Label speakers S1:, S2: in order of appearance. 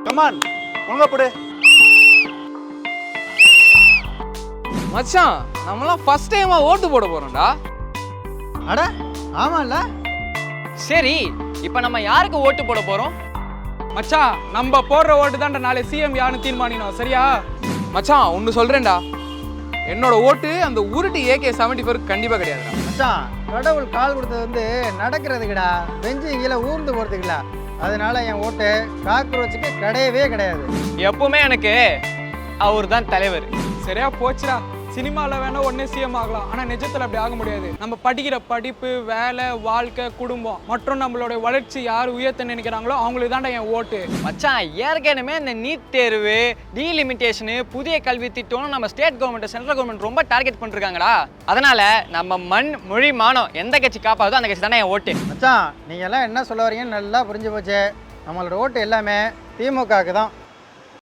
S1: Come on ஒழுங்கா போடு.
S2: மச்சான் நம்மளாம் ஃபர்ஸ்ட் டைமா ஓட்டு போட போறோம்டா.
S3: அட ஆமாம்ல.
S4: சரி இப்போ நம்ம யாருக்கு ஓட்டு போட போறோம்?
S2: மச்சான் நம்ம போடுற ஓட்டு தான்டா நாளை சிஎம் யாருன்னு தீர்மானிக்கணும் சரியா? மச்சான் ஒன்று சொல்றேன்டா, என்னோட ஓட்டு அந்த உருட்டு AK-74 கண்டிப்பா கிடையாதுடா.
S3: மச்சான் கடவுள் கால் கொடுத்தது வந்து நடக்கிறதுக்குடா, பெஞ்சு கீழே ஊர்ந்து போகிறதுக்குல. அதனால என் ஓட்டு காக்ரோச்சுக்கு கிடையவே கிடையாது.
S4: எப்பவுமே எனக்கு அவர் தான் தலைவர்.
S2: சரியா போச்சுடா. சினிமாவில் வேணா உடனே சிஎம் ஆகலாம், ஆனால் நிஜத்தில் அப்படி ஆக முடியாது. நம்ம படிக்கிற படிப்பு, வேலை, வாழ்க்கை, குடும்பம் மற்றும் நம்மளுடைய வளர்ச்சி யார் உயர்த்த நினைக்கிறாங்களோ அவங்களுக்கு தான்டா என் ஓட்டு.
S4: மச்சான் ஏற்கனவே இந்த நீட் தேர்வு, டீலிமிட்டேஷனு, புதிய கல்வி திட்டம்னு நம்ம ஸ்டேட் கவர்மெண்ட் சென்ட்ரல் கவர்மெண்ட் ரொம்ப டார்கெட் பண்ணிருக்காங்கடா. அதனால நம்ம மண் மொழி மானம் எந்த கட்சி காப்பாதோ அந்த கட்சி தானே என் ஓட்டு.
S3: மச்சான் நீங்கள் எல்லாம் என்ன சொல்ல வரீங்கன்னு நல்லா புரிஞ்சு போச்சு. நம்மளோட ஓட்டு எல்லாமே திமுகவுக்கு தான்.